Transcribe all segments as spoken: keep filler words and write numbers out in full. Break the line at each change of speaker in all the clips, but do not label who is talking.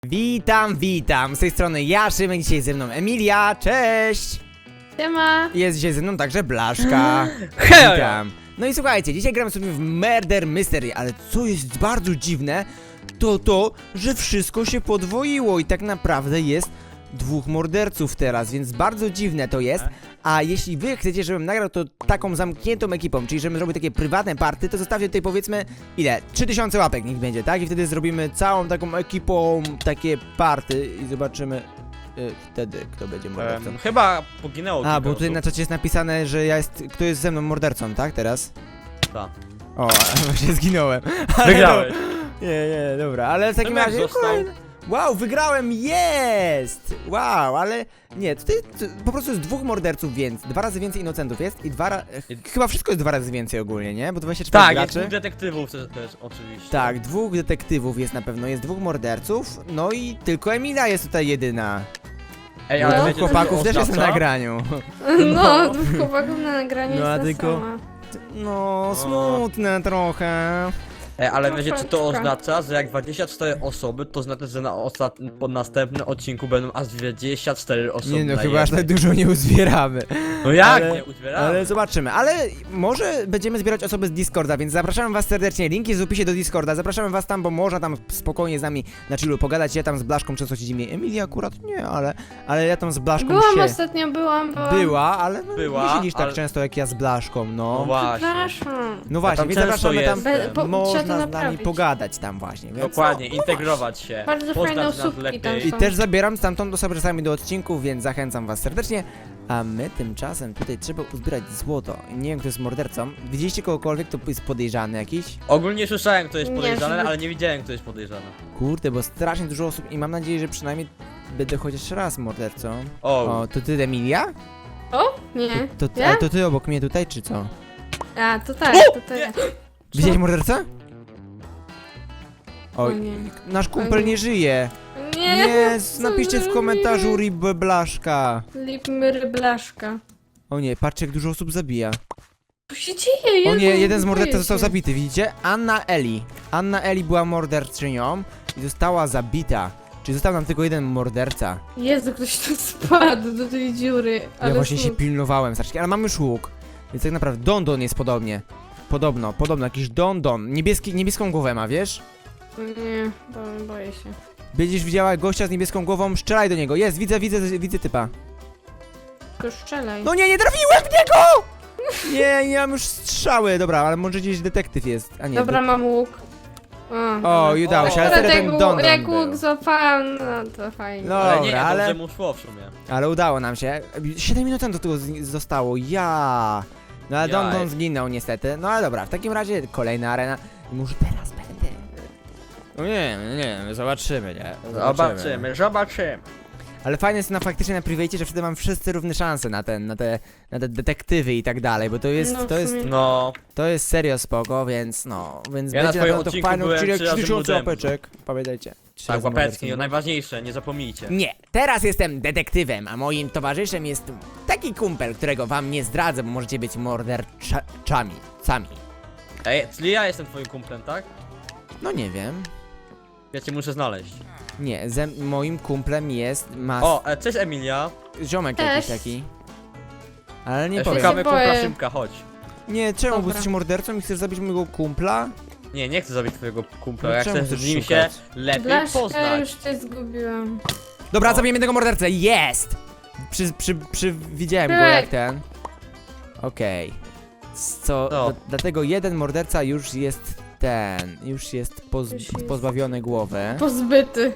Witam, witam, z tej strony ja, Szymek, dzisiaj ze mną Emilia, cześć!
Siema!
Jest dzisiaj ze mną także Blaszka,
Hej!
witam. No i słuchajcie, dzisiaj gramy sobie w Murder Mystery, ale co jest bardzo dziwne, to to, że wszystko się podwoiło i tak naprawdę jest dwóch morderców teraz, więc bardzo dziwne to jest. A jeśli wy chcecie, żebym nagrał to taką zamkniętą ekipą, czyli żebym zrobił takie prywatne party, to zostawcie tutaj powiedzmy, ile? trzy tysiące łapek niech będzie, tak? I wtedy zrobimy całą taką ekipą takie party i zobaczymy y, wtedy, kto będzie mordercą.
Um, chyba poginęło
A,
kilka
bo tutaj
osób.
na czacie jest napisane, że ja jest, kto jest ze mną mordercą, tak? Teraz?
Tak.
O, właśnie zginąłem. Ale
Wygrałeś.
No, nie, nie, dobra, ale w takim
Tomek
razie...
został.
kolejny- Wow, wygrałem, jest! Wow, ale nie, tutaj t- po prostu jest dwóch morderców więcej, dwa razy więcej inocentów jest i dwa razy... Chyba wszystko jest dwa razy więcej ogólnie, nie? Bo dwadzieścia cztery
Tak, jest
graczy.
dwóch detektywów też, też oczywiście.
Tak, dwóch detektywów jest na pewno, jest dwóch morderców, no i tylko Emilia jest tutaj jedyna.
Ej,
Bo
ale
dwóch
wiecie, co
chłopaków
to
też jest na
oznacza?
nagraniu.
No, dwóch chłopaków na nagraniu
No, a
jest
tylko-
ta sama.
No, smutne trochę.
Ej, ale wiecie co to
Troszeczkę.
oznacza? Że jak dwadzieścia cztery osoby, to znaczy, że na ostat... po następnym odcinku będą aż dwadzieścia cztery osoby
Nie no,
na
chyba aż tak
jednej.
dużo nie uzbieramy.
No jak
ale-
nie uzbieramy?
Ale zobaczymy, ale może będziemy zbierać osoby z Discorda, więc zapraszamy was serdecznie, link jest w opisie do Discorda, zapraszamy was tam, bo można tam spokojnie z nami na chillu pogadać, ja tam z Blaszką często siedzimy, Emilia akurat nie, ale, ale ja tam z Blaszką
Byłam
się...
ostatnio, byłam, byłam.
Była, ale no,
Była,
nie siedzisz tak
ale-
często jak ja z Blaszką,
No
no.
właśnie.
Przepraszam.
No właśnie,
tam
więc
często
zapraszamy tam,
jestem.
Be- po- trzeba
można
to
z nami
naprawić.
pogadać tam właśnie, więc
Dokładnie,
no,
integrować się.
Bardzo
poznać
fajne
nas
osóbki
lepiej.
tam
I
są.
też zabieram stamtąd osoby czasami do odcinków, więc zachęcam was serdecznie. A my tymczasem tutaj trzeba uzbierać złoto. Nie wiem, kto jest mordercą. Widzieliście kogokolwiek, kto jest podejrzany jakiś?
Ogólnie słyszałem, kto jest
Nie,
podejrzany,
żeby-
ale nie widziałem, kto jest podejrzany.
Kurde, bo strasznie dużo osób i mam nadzieję, że przynajmniej będę chociaż raz mordercą.
O,
O, to ty, Emilia?
O? Nie.
To, ty,
Ja?
a to ty obok mnie tutaj, czy co?
A, to tak,
O!
to tak.
Widziałeś mordercę?
O
Oj,
nie.
nasz kumpel nie żyje.
Nie.
Nie,
co
napiszcie w
zrobiłem?
komentarzu Rib Blaszka.
Lipmy blaszka.
O nie, patrzcie jak dużo osób zabija.
Co się dzieje?
O
Jezu,
nie, jeden z morderców
boję
został
się.
zabity, widzicie? Anna Eli. Anna Eli była morderczynią i została zabita. Czyli został nam tylko jeden morderca.
Jezu, ktoś tu spadł do tej dziury. Ale
Ja właśnie się
smut.
pilnowałem strasznie, ale mam już łuk. Więc tak naprawdę Dondon jest podobnie. Podobno, podobno, jakiś Dondon. Niebieski, niebieską głowę ma, wiesz?
Nie, bo, boję się.
Będziesz widziała gościa z niebieską głową, strzelaj do niego. Jest, widzę, widzę, widzę typa.
Tylko strzelaj.
No nie, nie trafiłem w niego! Nie, nie mam już strzały. Dobra, ale może gdzieś detektyw jest, a nie.
Dobra, mam łuk. O,
O, i udało się, ale
Akurat
wtedy
jak,
ten
łuk-
Dondon
jak
był.
łuk złapałam, no to fajnie.
No.
ale nie,
dobra, ale-
dobrze mu szło w sumie.
Ale udało nam się. siedem minut do tego z- zostało. Ja. No ale
Jaj.
Dondon zginął niestety. No ale dobra, w takim razie kolejna arena. I może teraz będę. No nie, nie, zobaczymy, nie?
Zobaczymy, zobaczymy.
Ale fajne jest na faktycznie na private, że wtedy mam wszyscy równe szanse na ten, na te, na te detektywy i tak dalej, bo to jest,
No, w
to jest,
sumie.
No,
to jest serio spoko, więc no, więc
Ja na
będzie
twoim
pewno to
odcinku
fajny
byłem
odcinek,
trzy razy
tysiące
młodym.
łapeczek. Pamiętajcie. Trzy
tak,
razy
łapeczki,
mordercą.
najważniejsze, nie zapomnijcie.
Nie, teraz jestem detektywem, a moim towarzyszem jest taki kumpel, którego wam nie zdradzę, bo możecie być morderczami, sami.
Ej, czyli ja jestem twoim kumplem, tak?
No nie wiem.
Ja cię muszę znaleźć.
Nie, ze moim kumplem jest mas...
O, e, cześć Emilia.
ziomek
Cześć.
jakiś taki. Ale nie
E,
powiem.
Szukamy
się boję.
kumpla Szymka, chodź.
Nie, czemu, bo
Dobra.
jesteś mordercą i chcesz zabić mojego kumpla?
Nie, nie chcę zabić twojego kumpla,
No
ja
czemu
chcę
chcesz
z nim
szukać?
się lepiej
Blaszka,
poznać.
już cię zgubiłam.
Dobra,
O.
zabijemy tego mordercę, jest! Przy, przy, przy, widziałem go
Tak.
jak ten. Okej. Co,
No.
d- dlatego jeden morderca już jest ten, już jest poz,
Już jest.
pozbawiony głowy.
Pozbyty.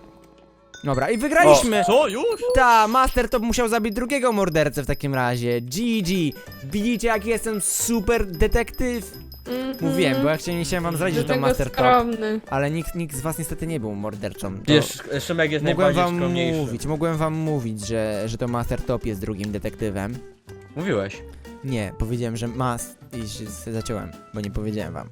Dobra, i wygraliśmy!
O, co, już?
Ta, Master Top musiał zabić drugiego mordercę w takim razie. G G. Widzicie, jaki jestem super detektyw?
Mhm.
Mówiłem, bo ja chciałem, nie chciałem wam zdradzić, że to
Dlatego
Master Top.
skromny.
Ale nikt, nikt z was niestety nie był mordercą. To
Wiesz, Szymek jest
mogłem
najbardziej
wam
skromniejszy.
mówić, mogłem wam mówić, że, że to Master Top jest drugim detektywem.
Mówiłeś.
Nie, powiedziałem, że mas... i się z- zaciąłem, bo nie powiedziałem wam.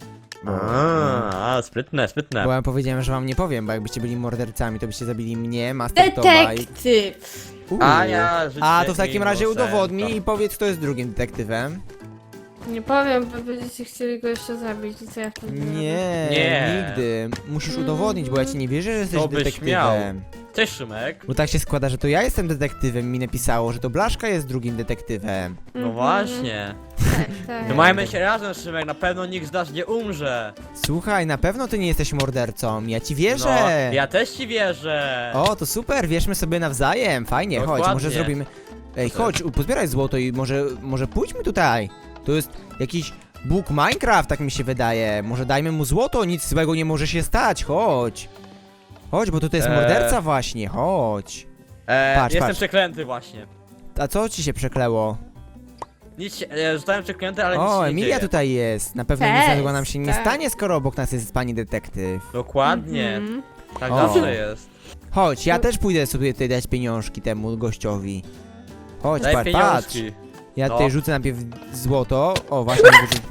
A, a, sprytne, sprytne.
Bo ja powiedziałem, że wam nie powiem, bo jakbyście byli mordercami, to byście zabili mnie, Master Topa i...
Detektyw.
Uuu.
A ja życie
A to w takim razie
innocenta.
udowodnij i powiedz, kto jest drugim detektywem.
Nie powiem, bo będziecie chcieli go jeszcze zabić i co ja wtedy zrobię?
Nie,
Nie.
nigdy. Musisz udowodnić, bo ja ci nie wierzę, że jesteś
To byś
detektywem.
Cześć, Szymek.
Bo tak się składa, że to ja jestem detektywem, mi napisało, że to Blaszka jest drugim detektywem.
No
Mhm.
właśnie.
Tak, tak.
Trzymajmy się razem, Szymek, na pewno nikt z nas nie umrze.
Słuchaj, na pewno ty nie jesteś mordercą, ja ci
No,
wierzę.
ja też ci wierzę.
O, to super, wierzmy sobie nawzajem, fajnie, chodź,
Dokładnie.
może zrobimy... Ej, chodź, u- pozbieraj złoto i może, może pójdźmy tutaj. To jest jakiś Bóg Minecraft, tak mi się wydaje. Może dajmy mu złoto, nic złego nie może się stać, chodź. Chodź, bo tutaj jest
Eee.
morderca właśnie, chodź.
E,
Patrz,
jestem
patrz.
przeklęty właśnie.
A co ci się przekleło?
Nic się, e, zostałem przeklęty, ale nic się
O,
nie
Emilia
dzieje.
tutaj jest. Na pewno
Cześć,
nic złego nam się nie
tak.
stanie, skoro obok nas jest pani detektyw.
Dokładnie,
Mhm.
tak
O.
zawsze jest.
Chodź, ja też pójdę sobie tutaj dać pieniążki temu gościowi. Chodź,
Daj
patrz, patrz.
pieniążki.
Ja
No.
tutaj rzucę najpierw złoto. O, właśnie. wyrzu-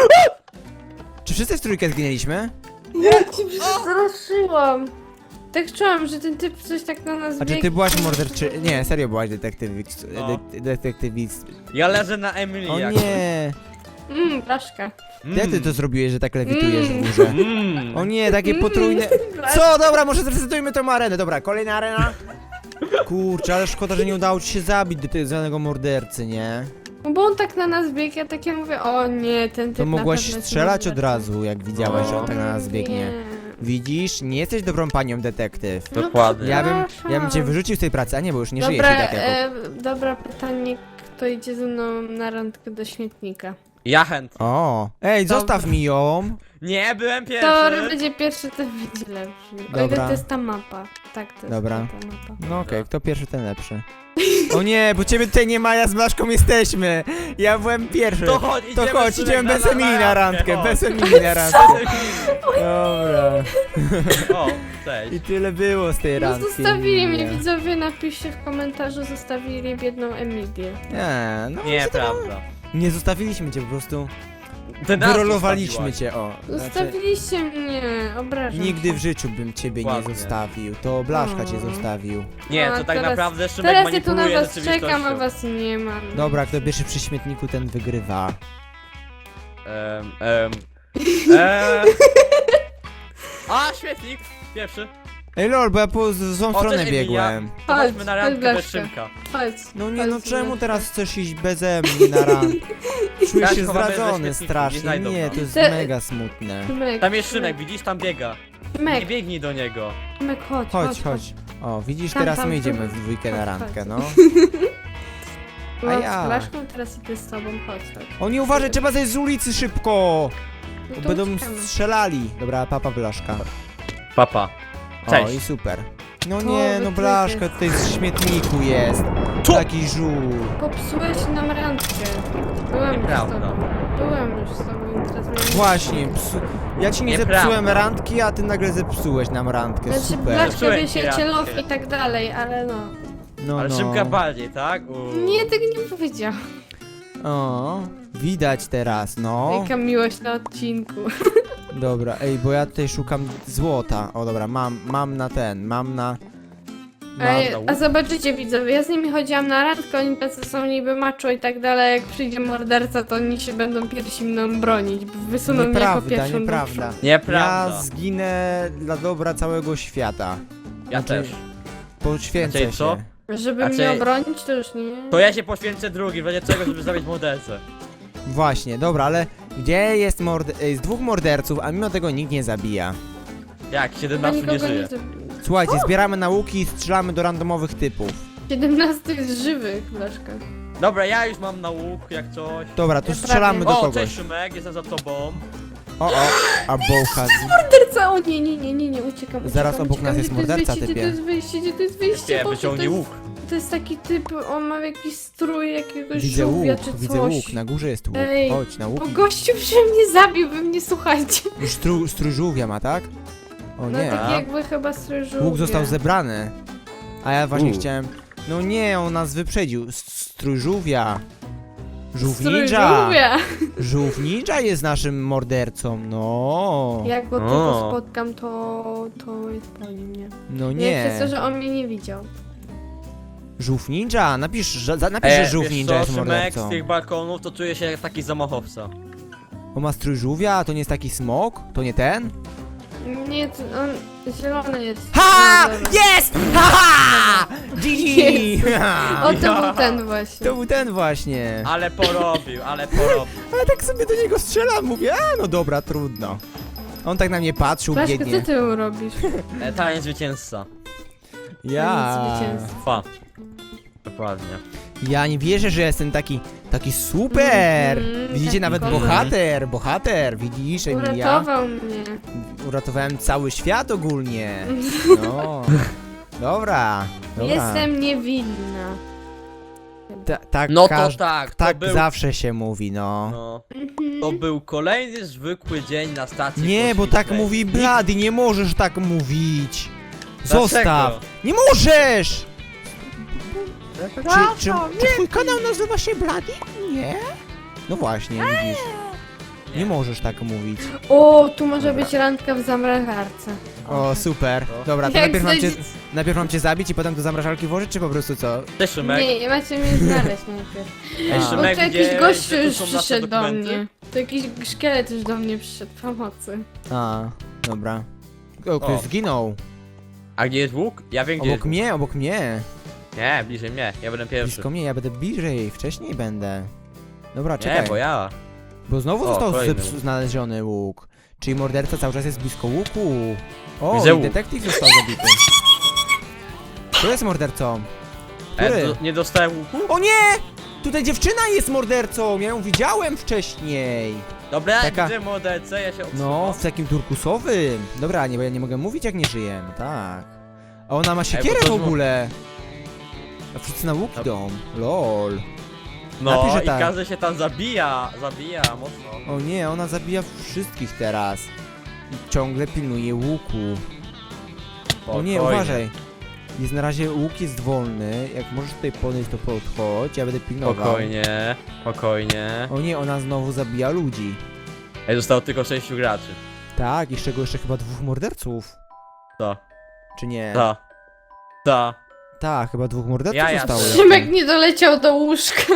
Czy wszyscy w trójkę zginęliśmy?
Ja ci przestraszyłam. Tak czułam, że ten typ coś tak na nas
A czy
biegnie.
ty byłaś morderczy... Nie, serio byłaś detektywist...
No.
De detektywist...
Ja leżę na Emily
O
jak.
nie!
Mmm, blaszka.
Jak ty to zrobiłeś, że tak lewitujesz w górze?
Mm.
O nie, takie potrójne... Co? Dobra, może zresetujmy tą arenę. Dobra, kolejna arena. Kurczę, ale szkoda, że nie udało ci się zabić do tego zwanego mordercy, nie?
No bo on tak na nas biegł, ja takie mówię, o nie, ten typ
To
na
mogłaś
pewno jest
strzelać od
mordercą.
razu, jak widziałaś, że on
No.
tak na nas biegnie.
Nie.
Widzisz? Nie jesteś dobrą panią detektyw.
No
Dokładnie.
Ja bym, ja bym
przepraszam.
cię wyrzucił z tej pracy, a nie, bo już nie żyjesz
Dobra,
i tak jako...
e, dobra, pytanie, kto idzie ze mną na randkę do śmietnika?
Ja chętnie.
O, ej,
Dobra.
zostaw mi ją.
Nie, byłem
Kto
pierwszy.
będzie pierwszy, ten będzie lepszy. O ile
Dobra.
to jest ta mapa. Tak, to jest
Dobra.
ta mapa.
No okej, kto pierwszy, ten lepszy. O nie, bo ciebie tutaj nie ma, ja z Blaszką jesteśmy. Ja byłem pierwszy.
To chodź,
To
idziemy,
chodź,
Szymek,
idziemy bez Emilii na randkę,
chodź.
bez Emilii na randkę. Dobra.
O, cześć.
I tyle było z tej
No
randki.
zostawili mnie,
Nie.
widzowie, napiszcie w komentarzu, zostawili biedną Emilię.
Nie, no
Nie,
co to-
prawda.
Nie zostawiliśmy cię, po prostu
Ty nas
wyrolowaliśmy
zostawiłaś.
cię, o. Znaczy,
Zostawiliście mnie, obrażam
nigdy
się.
w życiu bym ciebie nie
Dokładnie.
zostawił. To Blaszka cię
O.
zostawił.
Nie,
A,
to tak
teraz-
naprawdę Szymek
Teraz ja tu na
manipuluje
was czekam, a
rzeczywistością.
was nie ma.
Dobra, kto pierwszy przy śmietniku, ten wygrywa.
Em, em, em. A, świetnik! Pierwszy.
Ej lol, bo ja po z- złą
O,
stronę
cześć, Emilia.
biegłem.
To
Chodź,
chodźmy na
chodź,
randkę bez
Blaszka.
Szymka.
Chodź.
No nie,
chodź,
no czemu
Blaszka.
teraz chcesz iść beze mnie na randkę? Czuję
Ja
się
się chowam bez
zdradzony
śmietniku, nie
strasznie.
znajdą
Nie,
nas.
to jest
Te-
mega smutne.
Szymek,
Tam jest Szymek, widzisz? Tam biega. Nie
Szymek,
biegnij do niego.
Szymek, chodź,
Chodź, chodź. O, widzisz,
Tam,
teraz
tam,
my
tu.
idziemy w dwójkę na
Chodź,
randkę,
chodź.
no.
No,
A ja.
z Blaszką teraz idę z tobą, chodź, chodź.
O nie, uważaj, trzeba zejść z ulicy szybko!
No
Bo
to
będą
uciekamy.
strzelali. Dobra, papa Blaszka.
Papa.
O,
Cześć.
i super. No
To
nie, no
wy
Blaszka
tryby.
tutaj z śmietniku jest.
Co?
Taki żół.
Popsułeś nam randkę. Byłem już z
Nieprawda.
tobą. Byłem już z tobą i teraz miałem...
Właśnie, psu... ja ci nie
Nieprawda.
zepsułem randki, a ty nagle zepsułeś nam randkę.
Znaczy,
Super.
Blaszka
Zepsułem
wie
ci
się
randkę.
love i tak dalej, ale no.
No,
Ale
no.
Szymka bardziej, tak? U.
Nie, tego nie powiedział.
O, widać teraz, no.
Jaka miłość na odcinku.
Dobra, ej, bo ja tutaj szukam złota. O, dobra, mam, mam na ten, mam na... Mam...
Ej,
na łuk.
a zobaczycie widzowie, ja z nimi chodziłam na randkę, oni tacy są niby macho i tak dalej, jak przyjdzie morderca, to oni się będą pierwsi mną bronić, wysuną mnie jako
Nieprawda,
pierwszą
nieprawda.
do
Nieprawda.
Ja zginę dla dobra całego świata.
Ja
Znaczy,
też.
Poświęcę
Znaczy,
się.
co?
przodu. Żeby
Znaczy-
mnie obronić, to już nie.
To ja się poświęcę drugi, będzie czego, żeby zabić mordercę.
Właśnie, dobra, ale gdzie jest mord... Ej, z dwóch morderców, a mimo tego nikt nie zabija.
Jak?
Chyba
siedemnastu nie
nikogo nie
żyje.
zabiję.
Słuchajcie, zbieramy nauki i strzelamy do randomowych typów.
siedemnaście jest żywych, Blaszka.
Dobra, ja już mam na łuk, jak coś.
Dobra, to
Ja
strzelamy
prawie.
do
O,
kogoś.
cześć Szymek, jestem za tobą.
O, o, a bołcha.
Morderca! O nie, nie, nie, nie, nie, uciekam.
Zaraz
uciekam,
obok
uciekam.
nas jest
Gdzie to
morderca,
wyjście,
typie.
Gdzie to jest wyjście, gdzie to jest wyjście?
Nie,
Boże,
wyciągnij
to
łuk.
jest, to jest taki typ, on ma jakiś strój jakiegoś
Widzę łuk,
żółwia czy coś.
widzę łuk, na górze jest łuk.
Ej,
Chodź, na łuk.
Bo gościu się mnie zabił, wy mnie słuchajcie.
Już stru, strój żółwia ma, tak? O
No
nie.
tak jakby chyba strój żółwia.
Łuk został zebrany. A ja właśnie
U.
chciałem... No nie, on nas wyprzedził. S- Strój żółwia. Żółw
Strój
ninja.
żółwia.
Żółw ninja jest naszym mordercą, no.
Jak go
O.
tylko spotkam, to, to jest po nim, nie?
No
Nie. Jak
nie.
jest to, że on mnie nie widział.
Żółw ninja, napisz, że, za- napisz, że żółw
E, wiesz
ninja
co,
jest
Szymek,
mordercą.
z tych balkonów to czuję się jak taki zamachowca.
On ma strój żółwia, to nie jest taki smok? To nie ten?
Nie, to on zielony jest.
Ha!
No dobra.
Jest! Ha! ha! G G!
O, to był ten właśnie.
To był ten właśnie.
Ale porobił, ale porobił.
Ale tak sobie do niego strzelam, mówię, a no dobra, trudno. On tak na mnie patrzył
Blaszka, co
biednie.
ty robisz?
E, Taniec zwycięzca.
Ja.
Zwycięstwo.
Fa. Dokładnie.
Ja nie wierzę, że jestem taki, taki super.
Mhm,
Widzicie,
taki
nawet
kozak.
bohater, bohater, widzisz, Emilia?
Uratował mnie.
Uratowałem cały świat ogólnie. No. Dobra, dobra.
Jestem niewinna.
Ta, tak,
No to
każ-
tak, to
tak
był...
zawsze się mówi, no.
No,
Mhm.
to był kolejny zwykły dzień na stacji
Nie, bo tak
kosmicznej.
mówi
Nikt-
Blady, nie możesz tak mówić.
Dlaczego?
Zostaw. Nie możesz! Czy, czy, czy twój kanał nazywa się Blady? Nie? No właśnie, widzisz. Nie możesz tak mówić.
O, tu może być randka w zamrażarce.
O, super.
No.
Dobra, to
Jak
najpierw mam, cię,
znajdzie-
najpierw mam cię zabić i potem do zamrażalki włożyć, czy po prostu co?
Cześć, Szymek.
Nie, macie mnie znaleźć najpierw.
Ej,
A.
Bo
Szymek,
tu jakiś
gdzie-
gościu
gdzie tu
już
są nasze
przyszedł do
dokumenty?
mnie. To jakiś szkielet już do mnie przyszedł pomocy.
A, dobra. O, ktoś
O.
zginął.
A gdzie jest łuk? Ja wiem, gdzie
Obok
jest łuk.
mnie, obok mnie.
Nie, bliżej mnie, ja będę pierwszy.
Blisko mnie, ja będę bliżej, wcześniej będę. Dobra,
Nie,
czekaj.
bo ja.
Bo znowu
O,
został
kolejny
zepsu-
łuk.
znaleziony łuk. Czyli morderca cały czas jest blisko łuku. O,
Widzę
i
łuk.
detektyw został zabity. Kto jest mordercą? Który?
E, do, nie dostałem łuku?
O nie! Tutaj dziewczyna jest mordercą! Ja ją widziałem wcześniej.
Dobra,
Taka-
gdzie morderce? Ja się odsuwam.
No, w takim turkusowym. Dobra, nie, bo ja nie mogę mówić jak nie żyję. No tak. A ona ma siekierę
to
w
zło-
ogóle. A wszyscy na łuk
No.
idą. Lol.
No
napiszę
i
tak.
każdy się tam zabija, zabija mocno.
O nie, ona zabija wszystkich teraz. I ciągle pilnuje łuku. O nie,
Spokojnie.
uważaj. Jest na razie łuk jest wolny. Jak możesz tutaj podejść, to podchodź. Ja będę pilnował.
Spokojnie, spokojnie.
O nie, ona znowu zabija ludzi.
Ej, zostało tylko sześciu graczy.
Tak, i z czego jeszcze chyba dwóch morderców.
To,
Czy nie?
to, to.
Tak, chyba dwóch morderców
Ja, ja
zostało.
też.
jeszcze.
Szymek nie doleciał do łóżka.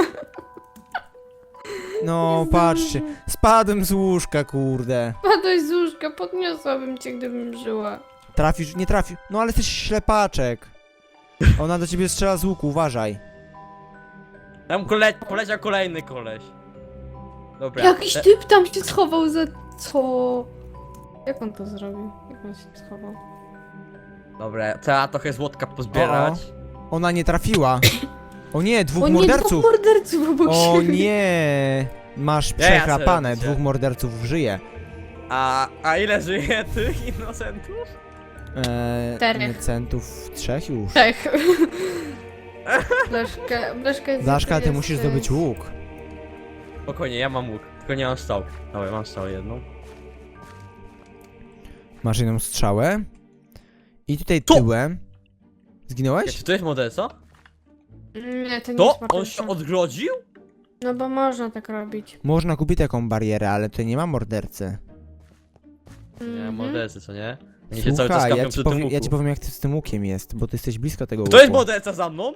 No, patrzcie. Spadłem z łóżka, kurde.
Padłeś z łóżka, podniosłabym cię, gdybym żyła.
Trafisz, nie trafisz. No ale jesteś ślepaczek. Ona do ciebie strzela z łuku, uważaj.
Tam kole poleciał kolejny koleś. Dobra.
Jakiś
te-
typ tam się schował za... co? Jak on to zrobił? Jak on się schował?
Dobra, trzeba trochę złotka pozbierać.
Ona nie trafiła. O nie, dwóch
O nie,
morderców.
dwóch morderców obok
O
siebie.
nie! Masz
Ja, ja
przechlapane,
sobie
dwóch morderców żyje.
A, a ile żyje tych innocentów?
Eee,
Czterech.
innocentów trzech już.
Trzech. Blaszka, Blaszka jest...
Blaszka, ty
jest-
musisz zdobyć łuk.
Spokojnie, ja mam łuk, tylko nie mam strzał. Dobra, mam strzał jedną.
Masz jedną strzałę. I tutaj
Tu!
tyłem.
Czy
Zginąłeś?
to jest morderca?
Nie, to nie
To?
jest
On
morderca.
się odgrodził?
No bo można tak robić.
Można kupić taką barierę, ale tutaj nie ma mordercy.
Nie,
Mhm.
mordercy, co nie? Oni się cały czas
Słuchaj,
kapią
ja ci,
przy tym
powiem,
łuku.
ja ci powiem jak ty z tym łukiem jest, bo ty jesteś blisko tego łuku.
To jest morderca za mną?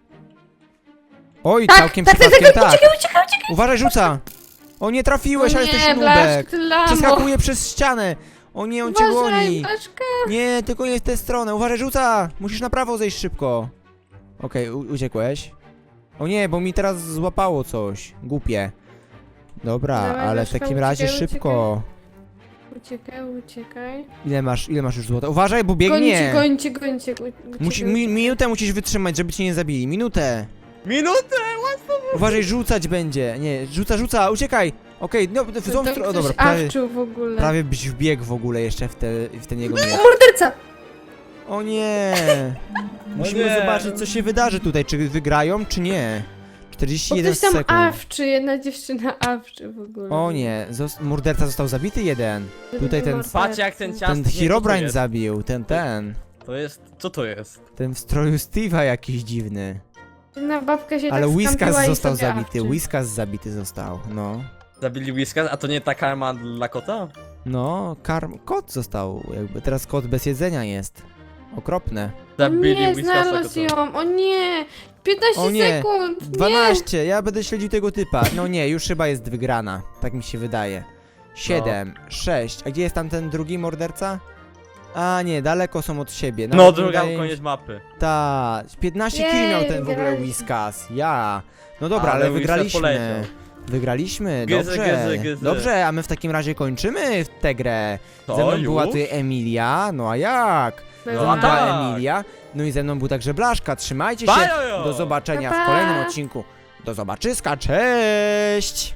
Oj,
Tak,
całkiem
tak, tak,
przypadkiem
tak,
tak.
uciekaj, uciekaj, uciekaj!
Uważaj, rzuca! O nie trafiłeś, ale jesteś
nie,
nubek!
Blaszk, ty lamo!
Przeskakuje przez ścianę! O nie, on cię
Uważaj,
goni!
Blaszka!
Nie, tylko nie w tę stronę. Uważaj, rzuca! Musisz na prawo zejść szybko. Okej, u- uciekłeś. O nie, bo mi teraz złapało coś. Głupie. Dobra,
Dawaj,
ale w
Blaszka,
takim razie
uciekaj,
szybko.
Uciekaj, uciekaj.
Ile masz, ile masz już złota? Uważaj, bo
Gońcie,
biegnie!
gońcie, gońcie. u- uciekaj,
Musi, mi,
uciekaj.
minutę musisz wytrzymać, żeby cię nie zabili. Minutę!
Minutę!
Uważaj, rzucać będzie. Nie, rzuca, rzuca, uciekaj! Okej, no w
To
tą
tam
stronę. O,
ktoś
dobra, prawie,
awczył w ogóle.
prawie byś wbiegł w ogóle jeszcze w, te, w ten jego miecz.
Morderca!
O nie! Musimy
nie.
zobaczyć, co się wydarzy tutaj. Czy wygrają, czy nie? czterdzieści
Bo
jeden
ktoś tam
sekund.
awczy, jedna dziewczyna awczy w ogóle.
O nie, zos- morderca został zabity jeden. Tutaj ten-
Morderca.
Patrz jak ten ciasny...
Ten
nie, co to
Herobrine
jest?
zabił, ten, ten.
To jest... co to jest?
Ten w stroju Steve'a jakiś dziwny.
Jedna babka się
Ale
tak
Whiskas
skampiła i
został
sobie
zabity,
awczy.
Whiskas zabity został, no.
Zabili Whiskas, a to nie ta karma dla kota?
No, karm, kot został, jakby teraz kot bez jedzenia jest. Okropne.
O
Zabili
nie,
Whiskasa
znalazł
kota.
ją, o nie! piętnaście
O nie,
sekund! Nie!
dwanaście, ja będę śledził tego typa. No nie, już chyba jest wygrana. Tak mi się wydaje. siedem, sześć. A gdzie jest tam ten drugi morderca? A nie, daleko są od siebie.
No,
Nawet
druga
wydaje mi
koniec mapy.
Ta, piętnaście
Jej,
kili miał ten w ogóle
wygraliśmy.
Whiskas. Ja. No dobra,
Ale
ale,
Whiskas
wygraliśmy.
poleciał.
Wygraliśmy,
Gyzy,
dobrze.
gyzy, gyzy.
Dobrze, a my w takim razie kończymy tę grę.
To
Ze mną
już?
była tutaj Emilia, no a jak?
No
Ze
No
mną
a
była
tak.
Emilia, no i ze mną był także Blaszka. Trzymajcie się.
Bajojo!
Do zobaczenia
Pa,
w
pa.
kolejnym odcinku. Do zobaczyska, cześć!